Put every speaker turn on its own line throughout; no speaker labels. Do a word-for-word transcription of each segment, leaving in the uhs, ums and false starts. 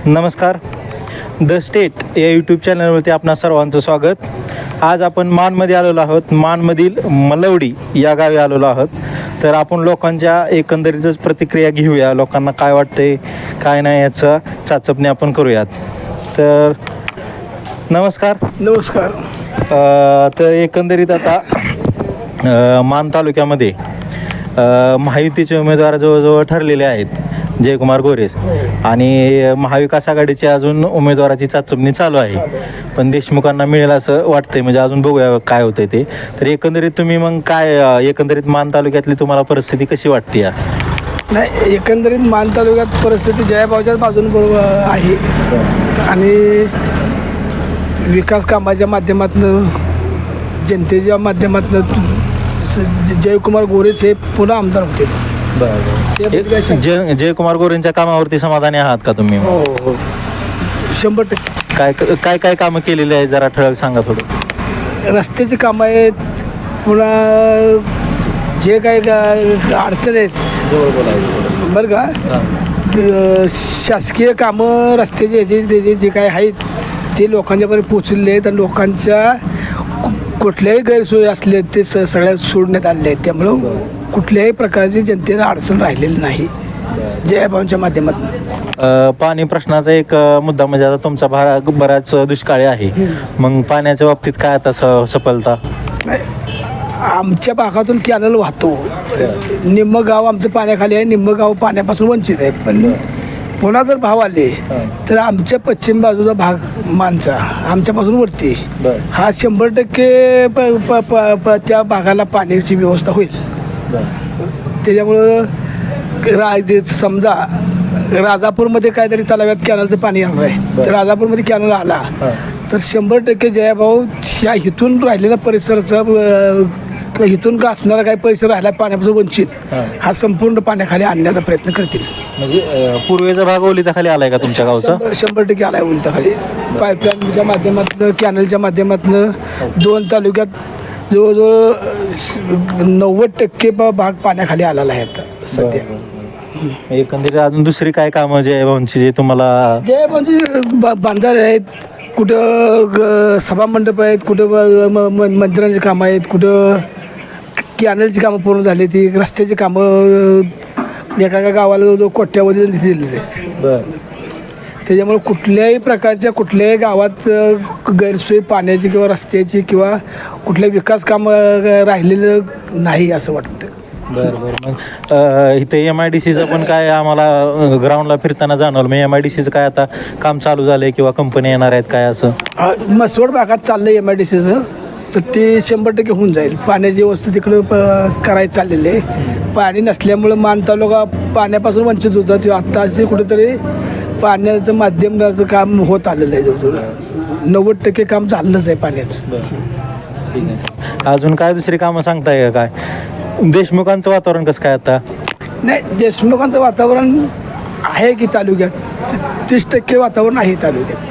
नमस्कार. The state या YouTube चॅनलवरती आपणा सर्वांचं स्वागत. आज आपण माणमध्ये आलेलो आहोत. माणमधील मलवडी या गावी आलेलो आहोत. तर आपण लोकांच्या एकंदरीतच प्रतिक्रिया घेऊया. लोकांना काय वाटते काय नाही याचा चाचपणी आपण करूयात. तर नमस्कार.
नमस्कार.
अ, तर एकंदरीत आता अ, मान तालुक्यामध्ये अ, महायुतीचे उमेदवार जवळजवळ ठरलेले आहेत, जयकुमार गोरे, आणि महाविकास आघाडीची अजून उमेदवाराची चाचपणी चालू आहे. पण देशमुखांना मिळेल असं वाटतंय. म्हणजे अजून बघूया काय होतंय ते. तर एकंदरीत तुम्ही मग काय अ, एकंदरीत मान तालुक्यातली तुम्हाला परिस्थिती कशी वाटते या?
नाही, एकंदरीत मान तालुक्यात परिस्थिती जयाभाऊच्याच बाजूने बरोबर आहे आणि विकास कामाच्या माध्यमातून, जनतेच्या माध्यमातून जयकुमार गोरेच हे पुन्हा आमदार होते.
बरं. जय जयकुमार गोरेंच्या कामावरती समाधानी आहात का तुम्ही?
हो हो, शंभर टक्के.
काय काय काय कामं केलेली आहे जरा ठळक सांगा थोडं.
रस्त्याची कामं आहेत, पुन्हा जे काही अडचण आहेत
जवळ बोलायचं
बरं का, शासकीय कामं रस्त्याचे ह्याचे त्याचे जे काही आहेत ते लोकांच्यापर्यंत पोचलेले आहेत आणि लोकांच्या कुठल्याही गैरसोयी असले ते स सगळ्या सोडण्यात आलेले आहेत. त्यामुळं कुठल्याही प्रकारची जनतेला अडचण राहिलेली नाही जयाभाऊंच्या माध्यमातून.
पाणी प्रश्नाचा एक मुद्दा म्हणजे आता तुमचा भाग बराच दुष्काळी आहे. मग पाण्याच्या बाबतीत काय आता स सफलता?
आमच्या भागातून कॅनल वाहतो. निम्म गाव आमचं पाण्याखाली आहे, निम्म गाव पाण्यापासून वंचित आहे. पण पुन्हा जर भाव आले तर आमच्या पश्चिम बाजूचा भाग मानचा आमच्यापासून वरती हा शंभर टक्के प प प प त्या भागाला पाण्याची व्यवस्था होईल. त्याच्यामुळं राज समजा राजापूरमध्ये काहीतरी तलाव्यात कॅनलचं पाणी येणार आहे, तर राजापूरमध्ये कॅनल आला तर शंभर टक्के जयाभाऊ ह्या इथून राहिलेल्या परिसराचं किंवा इथून का असणारा काही परिसर राहिला पाण्यापासून वंचित हा संपूर्ण पाण्याखाली आणण्याचा प्रयत्न करतील.
म्हणजे पूर्वेचा भाग ओलिताखाली आलाय का तुमच्या गावचा?
शंभर टक्के आलाय ओलिताखाली. पाईपलाईनच्या माध्यमातून, कॅनलच्या माध्यमातून दोन तालुक्यात जवळजवळ नव्वद टक्के भाग पाण्याखाली आलेला आहे आता सध्या.
एकंदरीत अजून दुसरी काय कामं जयभाऊंची जे तुम्हाला?
जयभाऊंची बांधारे आहेत, कुठं सभामंडप आहेत, कुठं मंदिरांची कामं आहेत, कुठं कॅनलची कामं पूर्ण झाली, ती रस्त्याची कामं एका एका गावाला जवळजवळ कोट्यावधी दिलेली आहेत.
बरं.
त्याच्यामुळे कुठल्याही प्रकारच्या कुठल्याही गावात गैरसोय पाण्याची किंवा रस्त्याची किंवा कुठल्या विकास कामं राहिलेलं नाही असं वाटतं.
बरं बरं. मग इथे एम आय डी सीचं पण काय आम्हाला ग्राउंडला फिरताना जाणवलं. मग एम आय डी सीचं काय आता काम चालू झालं आहे किंवा कंपनी येणार आहेत काय असं?
मसवड भागात चाललं आहे एम आय डी सीचं, तर ते शंभर टक्के होऊन जाईल. पाण्याची व्यवस्था तिकडं प करायचं चाललेलं आहे. पाणी नसल्यामुळं मान तालुका पाण्यापासून वंचित होता. ते आत्ताचे कुठेतरी पाण्याचं माध्यमाचं काम होत आलेलं आहे. जवळजवळ नव्वद टक्के काम झालंच आहे पाण्याचं.
ठीक आहे. अजून काय दुसरी कामं सांगताय का? काय देशमुखांचं वातावरण कसं काय आता?
नाही, देशमुखांचं वातावरण आहे की तालुक्यात तीस टक्के वातावरण आहे तालुक्यात.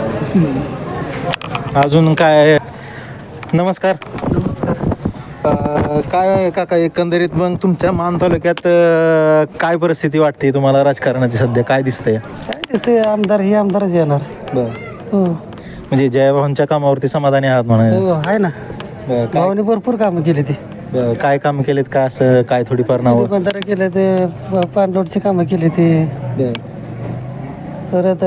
अजून काय? नमस्कार. नमस्कार. काय काका, एकंदरीत मग तुमच्या मान तालुक्यात काय परिस्थिती वाटते तुम्हाला राजकारणाची सध्या? काय दिसतंय?
काय दिसते, आमदार हे आमदारच येणार.
बरं.
हो
म्हणजे जयभाऊंच्या कामावरती समाधानी आहात म्हणा?
हो आहे ना.
काय
गावाने भरपूर कामं केली ती.
काय कामं केलेत का असं काय थोडीफार नावं?
बंधारे केले ते, पाणलोटची कामं केली ती, परत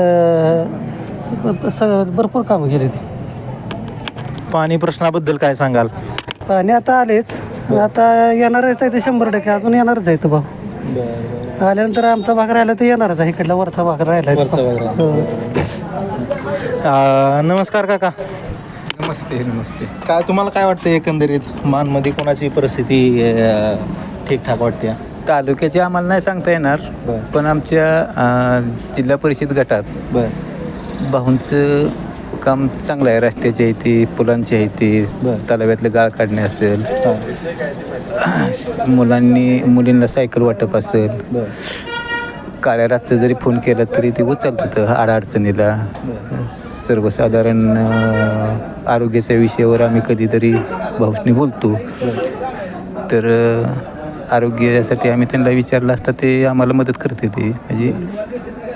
सगळं भरपूर कामं केली ती.
पाणी प्रश्नाबद्दल काय सांगाल?
पाणी आता आलेच, आता येणारच आहे ते शंभर टक्के, अजून येणारच आहे तो भाऊ. आल्यानंतर आमचा भाग राहिला तर येणारच आहे. इकडला वरचा भाग राहिला.
नमस्कार काका.
नमस्ते. नमस्ते.
काय तुम्हाला काय वाटतं एकंदरीत मानमध्ये कोणाची परिस्थिती ठीकठाक वाटते?
तालुक्याची आम्हाला नाही सांगता येणार, पण आमच्या जिल्हा परिषद गटात
बरं
भाऊंचं काम चांगलं आहे. रस्त्याची आहे ती, पुलांची आहे ती, तलाव्यातलं गाळ काढणे असेल, मुलांनी मुलींना सायकल वाटप असेल, काळ्या रातचं जरी फोन केला तरी ते उचलतात अडचणीला. सर्वसाधारण आरोग्याच्या विषयावर आम्ही कधीतरी भाऊनी बोलतो, तर आरोग्यासाठी आम्ही त्यांना विचारलं असता ते आम्हाला मदत करते. ते म्हणजे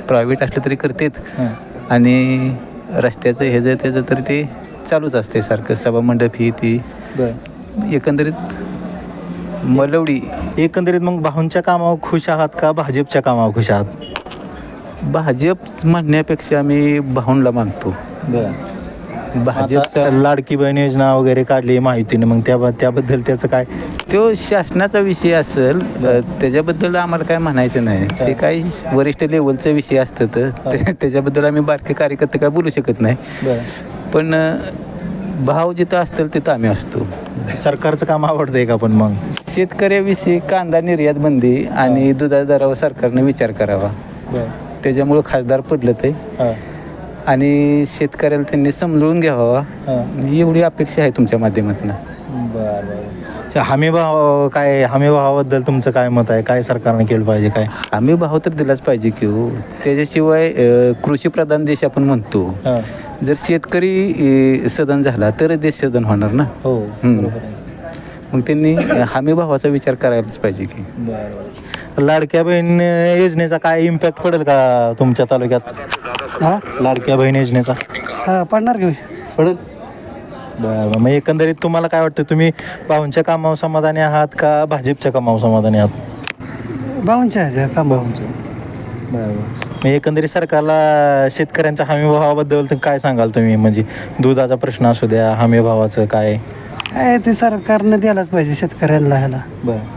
प्रायव्हेट असलं तरी करतात
हां.
आणि रस्त्याचं हे जर त्याचं तरी ते चालूच असते सारखं सभामंडप ही ती
बरं.
एकंदरीत मलवडी
एकंदरीत मग भाऊंच्या कामावर खुश आहात का भाजपच्या कामावर खुश आहात?
भाजप म्हणण्यापेक्षा आम्ही भाऊंला मानतो.
बरं.
भाजपचा
आता लाडकी बहीण योजना वगैरे काढली माहितीने, मग त्या त्याबद्दल त्याचं काय?
तो शासनाचा विषय असेल अ, त्याच्याबद्दल आम्हाला काय म्हणायचं नाही. ते काही वरिष्ठ लेवलचा विषय असतं तर ते- त्याच्याबद्दल आम्ही बारके कार्यकर्ते काय बोलू शकत नाही.
बरं.
पण अ, भाव जिथं असतील तिथं आम्ही असतो.
सरकारचं काम आवडतंय का पण मग?
शेतकऱ्याविषयी कांदा निर्यात बंदी आणि दुधाच्या दरावर सरकारने विचार करावा. त्याच्यामुळं खासदार पडलं ते
हां.
आणि शेतकऱ्याला त्यांनी समजून घ्यावा
हां.
एवढी अपेक्षा आहे तुमच्या माध्यमातून.
बरं बरं. हमी भाव काय, हमी भावाबद्दल तुमचं काय मत आहे? काय सरकारने केलं पाहिजे काय?
आम्ही भाव तर दिलाच पाहिजे की हो. त्याच्याशिवाय अ, कृषीप्रधान देश आपण म्हणतो.
हां.
जर शेतकरी अ, सदन झाला तर देश सदन होणार ना.
हो,
हम्म.
बरोबर आहे.
मग त्यांनी हमी भावाचा विचार करायलाच पाहिजे की.
बरं. लाडक्या बहीण योजनेचा काय इम्पॅक्ट पडेल का तुमच्या तालुक्यात?
हां
लाडक्या बहीण योजनेचा
हां पडणार की
पडेल? बरं. मग एकंदरीत तुम्हाला काय वाटतं, तुम्ही भाऊंच्या कामावर समाधानी आहात का भाजपच्या कामावर समाधानी आहात?
भाऊंच्या ह्याच्या काम
भाऊंच्या. बरं. मग एकंदरीत सरकारला शेतकऱ्यांच्या हमी भावाबद्दल तर काय सांगाल तुम्ही? म्हणजे दुधाचा प्रश्न असू द्या, हमी भावाचं काय?
काय ते सरकारने द्यायलाच पाहिजे शेतकऱ्यांना ह्याला.
बरं.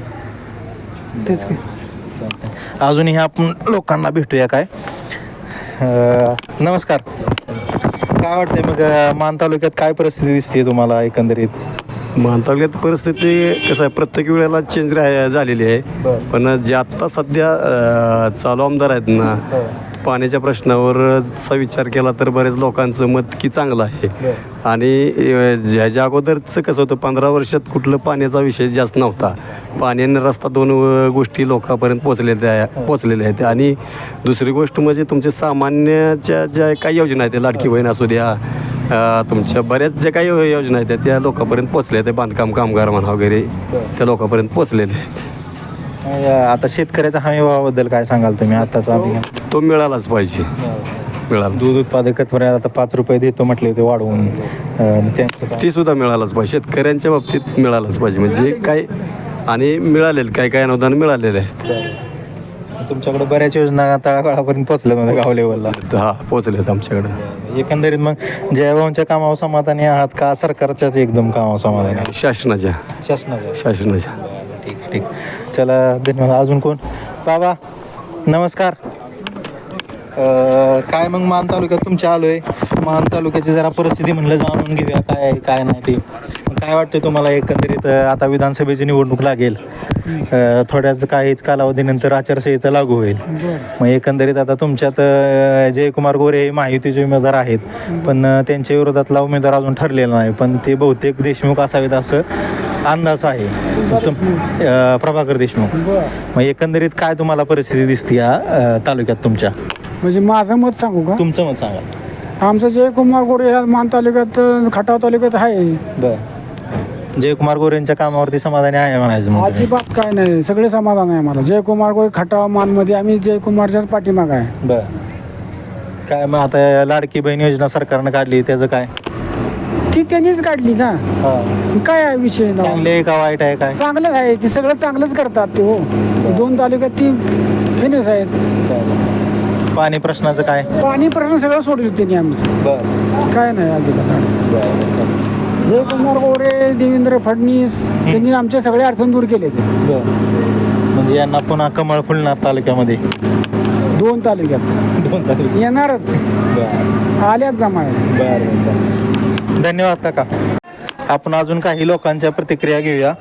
तेच की.
अजूनही आपण लोकांना भेटूया काय. अं, नमस्कार. काय वाटतंय मग अं, मान तालुक्यात काय परिस्थिती दिसते तुम्हाला एकंदरीत?
मान तालुक्यात परिस्थिती कसं आहे, प्रत्येक वेळेला चेंज रा झालेली आहे.
बरं.
पण जे आत्ता सध्या अ, चालू आमदार आहेत ना, पाण्याच्या प्रश्नावरचा विचार केला तर बरेच लोकांचं मत की चांगलं आहे. आणि अ, ज्याच्या अगोदरचं कसं होतं, पंधरा वर्षात कुठलं पाण्याचा विषय जास्त नव्हता. पाणी आणि रस्ता दोन अ, गोष्टी लोकांपर्यंत पोचलेल्या आहे पोचलेल्या आहेत. आणि दुसरी गोष्ट म्हणजे तुमचे सामान्यच्या ज्या काही योजना आहेत, लाडकी बहीण असू द्या, अ, तुमच्या बऱ्याच ज्या काही योजना आहेत त्या लोकांपर्यंत पोचल्या आहेत. बांधकाम कामगार म्हणा वगैरे त्या लोकांपर्यंत पोचलेले आहेत.
अं, आता शेतकऱ्याच्या हमी भावाबद्दल काय सांगाल तुम्ही? आत्ताचा आधी
तो मिळालाच पाहिजे. मिळाला
दूध उत्पादक आता पाच रुपये देतो म्हटले होते वाढवून, अं, त्यांचं काय?
ती सुद्धा मिळालाच पाहिजे. शेतकऱ्यांच्या बाबतीत मिळालाच पाहिजे. म्हणजे काय, आणि मिळालेलं काय काय अनुदान मिळालेलं आहे.
तुमच्याकडे बऱ्याच योजना तळागाळापर्यंत पोहोचल्या नव्हत्या गाव लेवलला.
हा पोचलेत आमच्याकडे.
एकंदरीत मग जयभाऊंच्या कामावर समाधानी आहात का सरकारच्याच एकदम कामावर समाधानी आहात?
शासनाच्या
शासनाच्या.
शासनाच्या
ठीक आहे, ठीक. चला, धन्यवाद. अजून कोण? बाबा नमस्कार. अं, काय मग मान तालुक्यात तुमच्या आलोय. मान तालुक्याची जरा परिस्थिती म्हणलं जाणून घेऊया, काय आहे काय नाही ते. काय वाटतं तुम्हाला एकंदरीत? अं, आता विधानसभेची निवडणूक लागेल, अं, थोड्याच काहीच कालावधीनंतर आचारसंहिता लागू होईल. मग एकंदरीत आता तुमच्यात अं, जयकुमार गोरे हे महायुतीचे उमेदवार आहेत, पण अं, त्यांच्या विरोधातला उमेदवार अजून ठरलेला नाही, पण ते बहुतेक देशमुख असावेत असं अंदाज आहे. तुम अं, प्रभाकर देशमुख. मग एकंदरीत काय तुम्हाला परिस्थिती दिसते या अं, तालुक्यात तुमच्या?
म्हणजे माझं मत सांगू का?
तुमचं मत सांगा.
आमचं जयकुमार गोरे ह्या मान तालुक्यात खटाव तालुक्यात आहे.
बरं. जयकुमार गोरेंच्या कामावरती समाधानी आहे म्हणायचं मग तुम्ही?
अजिबात काय नाही, सगळे समाधान आहे मला. जयकुमार गोरे खटाव मानमध्ये आम्ही जयकुमारच्याच पाठीमाग आहे.
बरं. काय मग आता लाडकी बहीण योजना सरकारनं काढली, त्याचं काय?
ती त्यांनीच काढली ना. काय आहे विषय ना?
चांगले आहे का वाईट आहे काय?
चांगलं आहे, ती सगळं चांगलंच करतात ते. हो, दोन तालुक्यात ती फेमस आहेत.
पाणी प्रश्नाचं काय?
पाणी प्रश्न सगळं सोडलं त्यांनी आमचं.
बरं.
काय नाही अजिबात. जयकुमार गोरे, देवेंद्र फडणवीस त्यांनी आमच्या सगळ्या अडचण दूर केले.
बरं. म्हणजे यांना पुन्हा कमळ फुलणार तालुक्यामध्ये?
दोन तालुक्यात
दोन तालुक्यात
येणारच.
बरं.
आल्याच जमा आहे.
बरं. धन्यवाद काका. आपण अजून काही लोकांच्या प्रतिक्रिया घेऊया.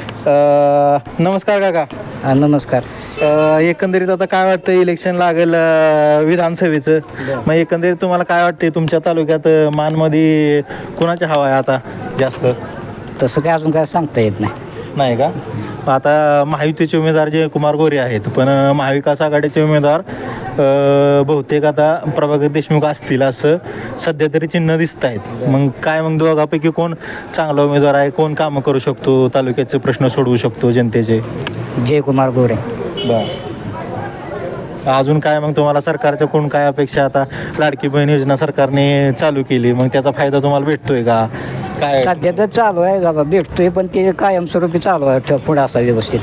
अं, नमस्कार काका.
नमस्कार.
अं, एकंदरीत आता काय वाटतं, इलेक्शन लागेल अं, विधानसभेचं. मग एकंदरीत तुम्हाला काय वाटते तुमच्या तालुक्यात अं, मानमध्ये कोणाची हवा आहे आता जास्त?
तसं काय अजून काय सांगता येत नाही.
नाही का? आता महायुतीचे उमेदवार जयकुमार गोरे आहेत, पण अं, महाविकास आघाडीचे उमेदवार अं, बहुतेक आता प्रभाकर देशमुख असतील असं सध्या तरी चिन्ह दिसत आहेत. मग काय, मग दोघापैकी कोण चांगला उमेदवार आहे, कोण कामं करू शकतो, तालुक्याचे प्रश्न सोडवू शकतो जनतेचे?
जयकुमार गोरे.
बरं. अजून काय मग तुम्हाला सरकारच्या कोण काय अपेक्षा? आता लाडकी बहीण योजना सरकारने चालू केली, मग त्याचा फायदा तुम्हाला भेटतोय का काय?
सध्या तर चालू आहे बाबा, भेटतोय पण ते कायमस्वरूपी चालू आहे ठेव- पुढे असा व्यवस्थित.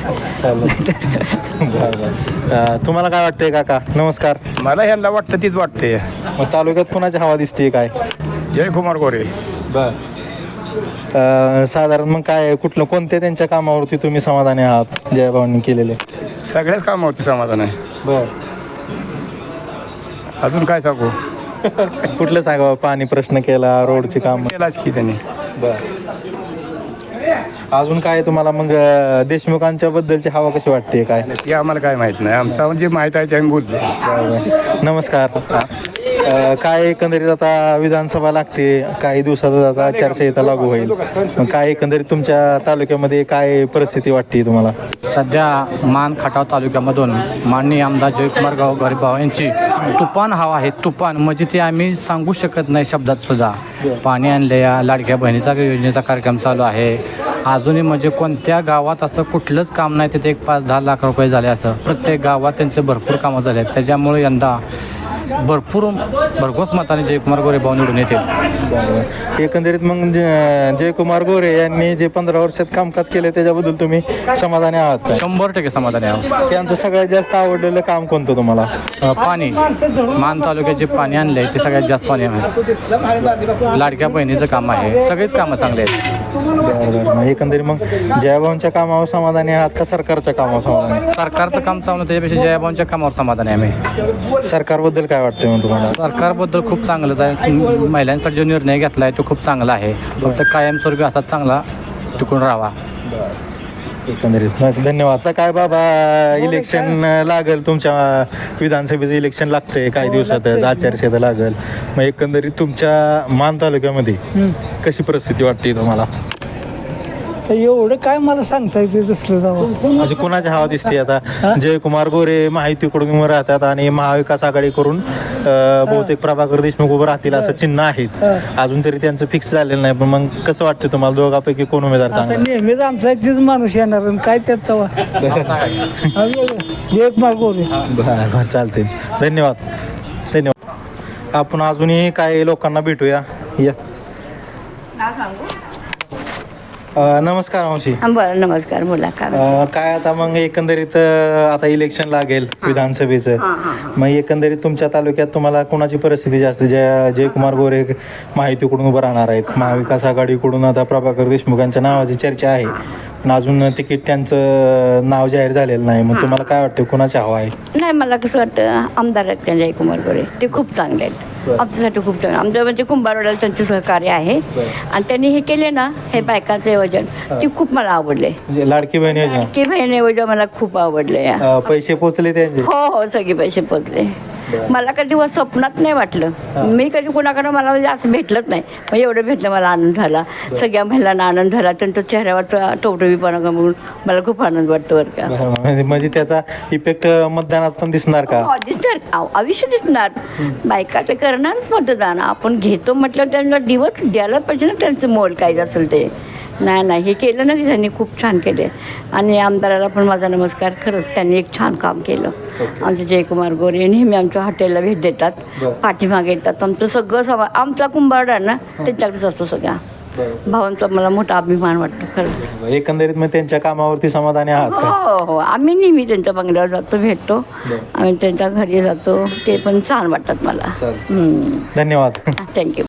अं, तुम्हाला काय वाटतंय काका? नमस्कार.
मला ह्यांना वाटतं तीच वाटते.
मग तालुक्यात कोणाची हवा दिसते काय?
जयकुमार गोरे.
बर. अं, साधारण मग काय कुठलं कोणत्या त्यांच्या कामावरती तुम्ही समाधानी आहात जयभावांनी केलेले?
सगळ्याच कामावरती समाधान आहे.
बर.
अजून काय सांगू,
कुठलं सांगा? पाणी प्रश्न केला, रोडची काम.
केलाच की त्यांनी.
बर. अजून काय तुम्हाला मग अं, देशमुखांच्या बद्दलची हवा कशी वाटते काय?
ती आम्हाला काय माहित नाही, आमचा म्हणजे माहीत आहे ते आम्ही बोलतो.
बरं. नमस्कार. अं, काय एकंदरीत आता विधानसभा लागते, काही दिवसातच आता आचारसंहिता लागू होईल. मग काय एकंदरीत तुमच्या तालुक्यामध्ये काय परिस्थिती वाटते तुम्हाला?
सध्या मान खटाव तालुक्यामधून माननीय आमदार जयकुमार गाव गरीबाव यांची तुफान हवा आहे. तुफान म्हणजे ते आम्ही सांगू शकत नाही शब्दात सुद्धा. पाणी आणले, या लाडक्या बहिणीचा योजनेचा कार्यक्रम चालू आहे. अजूनही म्हणजे कोणत्या गावात असं कुठलंच काम नाही तिथे एक पाच दहा लाख रुपये झाले, असं प्रत्येक गावात त्यांचे भरपूर कामं झाले आहेत. त्याच्यामुळे यंदा भरपूर भरघोस मताने जयकुमार गोरे भाऊ निवडून येतील.
बरोबर. एकंदरीत मग ज- जयकुमार गोरे यांनी जे पंधरा वर्षात कामकाज केले त्याच्याबद्दल तुम्ही समाधानी आहात का?
शंभर टक्के समाधानी आहोत.
त्यांचं सगळ्यात जास्त आवडलेलं काम कोणतं तुम्हाला?
अ, पाणी मान तालुक्यात जे पाणी आणले ते सगळ्यात जास्त पाणी आहे. लाडक्या बहिणीचं काम आहे, सगळेच कामं चांगले आहेत.
बरं बरं. मग एकंदरीत मग जयभावांच्या कामावर समाधानी आहात का सरकारच्या कामावर समाधानी?
सरकारचं काम चांगलं, त्याच्यापेक्षा जयाभाऊंच्या कामावर समाधान आहे आम्ही.
सरकारबद्दल काय वाटतंय मग तुम्हाला?
सरकारबद्दल खूप चांगलंच आहे. महिलांसाठी जो निर्णय घेतला आहे तो खूप चांगला आहे. फक्त कायमस्वरूपी असाच चांगला टिकून राहावा.
एकंदरीत मग धन्यवाद. आता काय बाबा, इलेक्शन लागेल, तुमच्या विधानसभेचं इलेक्शन लागतंय काही दिवसातच, आचारसंहिता लागेल. मग एकंदरीत तुमच्या मान तालुक्यामध्ये कशी परिस्थिती वाटते तुम्हाला?
तर एवढं काय मला सांगता येते तसलं जावं.
म्हणजे कुणाची हवा दिसते आता? जयकुमार गोरे महायुतीकडून उभं राहतात आणि महाविकास आघाडीकडून अं, बहुतेक प्रभाकर देशमुख उभं राहतील असं चिन्ह आहेत. अजून तरी त्यांचं फिक्स झालेलं नाही, पण मग कसं वाटतं तुम्हाला दोघांपैकी कोण उमेदवार चांगला?
नेहमीच आमचा तीच माणूस येणार आणि काय त्यात तवा जयकुमार गोरे.
बरं बरं, चालते. धन्यवाद धन्यवाद. आपण अजूनही काही लोकांना भेटूया. या. अं, नमस्कार मावशी.
बरं, नमस्कार, बोला काय
अं, काय आता मग एकंदरीत अं, आता इलेक्शन लागेल विधानसभेचं. मग एकंदरीत तुमच्या तालुक्यात तुम्हाला कोणाची परिस्थिती जास्त? जय जयकुमार गोरे महायुतीकडून उभं राहणार आहेत, महाविकास आघाडीकडून आता प्रभाकर देशमुख यांच्या नावाची चर्चा आहे, पण अजून तिकीट त्यांचं नाव जाहीर झालेलं नाही. मग तुम्हाला काय वाटतं कोणाची हवा आहे?
नाही, मला कसं वाटतं आमदार आहेत त्या जयकुमार गोरे, ते खूप चांगले आहेत आमच्यासाठी, खूप चांगलं. आमच्या म्हणजे कुंभारवाड्याला त्यांचे सहकार्य आहे आणि त्यांनी हे केले ना, हे बायकांचं योजन, ते खूप मला आवडले.
म्हणजे लाडकी बहीण योजना,
की बहीण योजना मला खूप आवडले.
अं, पैसे पोचले त्यांचे?
हो हो, सगळे पैसे पोचले. मला कधी व स्वप्नात नाही वाटलं, मी कधी कोणाकडं मला म्हणजे असं भेटलंच नाही, मग एवढं भेटलं मला आनंद झाला. सगळ्या महिलांना आनंद झाला, त्यांच्या चेहऱ्यावरचा टवटवीपणा बघून मला खूप आनंद वाटतो बरं का.
बरं, म्हणजे- म्हणजे त्याचा इफेक्ट मतदानात पण दिसणार का?
हो, दिसणार, आव- आयुष्य दिसणार. बायका ते करणारच मतदान, आपण घेतो म्हटलं त्यांना दिवस द्यायला पाहिजे ना, त्यांचं मोल काय असेल ते. नाही नाही, हे केलं ना की त्यांनी खूप छान केले. आणि आमदाराला पण माझा नमस्कार. खरंच त्यांनी एक छान काम केलं. आमचे जयकुमार गोरे नेहमी आमच्या हॉटेलला भेट देतात, पाठीमागे येतात. आमचं सगळं सभा, आमचा कुंभारडा ना त्यांच्याकडेच असतो सगळा. भावांचा मला मोठा अभिमान वाटतो खरंच.
एकंदरीत मग त्यांच्या कामावरती समाधानी आहात का?
हो हो, आम्ही नेहमी त्यांच्या बंगल्यावर जातो, भेटतो, आम्ही त्यांच्या घरी जातो, ते पण छान वाटतात मला.
धन्यवाद.
थँक्यू.